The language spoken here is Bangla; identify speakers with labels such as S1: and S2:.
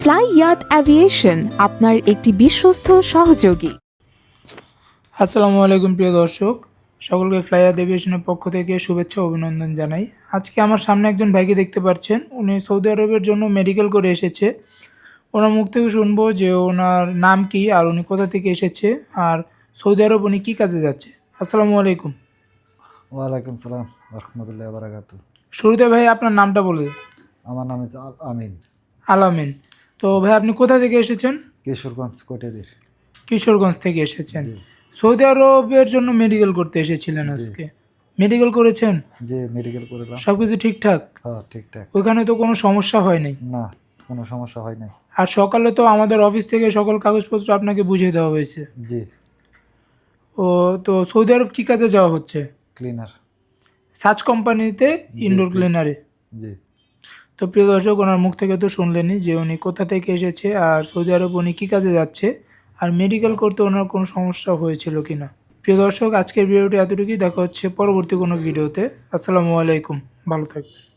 S1: ফ্লাই ইয়াত অ্যাভিয়েশন আপনার একটি বিশ্বস্ত সহযোগী।
S2: আসসালামু আলাইকুম প্রিয় দর্শক, সকলকে ফ্লাই ইয়াত এভিয়েশনের পক্ষ থেকে শুভেচ্ছা ও অভিনন্দন জানাই। আজকে আমার সামনে একজন ভাইকে দেখতে পাচ্ছেন, উনি সৌদি আরবের জন্য মেডিকেল করে এসেছে। ওনার মুখ থেকে শুনবো যে ওনার নাম কি আর উনি কোথা থেকে এসেছে আর সৌদি আরব উনি কী কাজে যাচ্ছে। আসসালামু আলাইকুম।
S3: ওয়ালাইকুম সালাম রহমতুল্লাহ বারাকাতু।
S2: শুরুতে ভাই আপনার নামটা বলে দিন।
S3: আমার নাম হচ্ছে আমিন,
S2: আলামিন। তো ভাই আপনি কোথা থেকে এসেছেন?
S3: কিশোরগঞ্জ কোটেদের।
S2: কিশোরগঞ্জ থেকে এসেছেন।
S3: জি
S2: সৌদি আরবের জন্য মেডিকেল করতে এসেছিলেন আজকে? মেডিকেল করেছেন?
S3: জি মেডিকেল করলাম।
S2: সব কিছু ঠিকঠাক?
S3: হ্যাঁ ঠিকঠাক,
S2: ওইখানে তো কোনো সমস্যা হয় নাই?
S3: না কোনো সমস্যা হয় নাই।
S2: আর সকালে তো আমাদের অফিস থেকে সকল কাগজপত্র আপনাকে বুঝিয়ে দেওয়া হয়েছে।
S3: জি
S2: ও, তো সৌদি আরব কী কাজে যাওয়া হচ্ছে?
S3: ক্লিনার।
S2: সার্চ কোম্পানিতে ইনডোর ক্লিনারে।
S3: জি
S2: তো প্রিয় দর্শক, ওনার মুখ থেকে তো শুনলেনই যে উনি কোথা থেকে এসেছে আর সৌদি আরব উনি কী কাজে যাচ্ছে আর মেডিকেল করতে ওনার কোনো সমস্যা হয়েছিল কি না। প্রিয় দর্শক, আজকের ভিডিওটি এতটুকুই। দেখা হচ্ছে পরবর্তী কোনো ভিডিওতে। আসসালামু আলাইকুম, ভালো থাকবেন।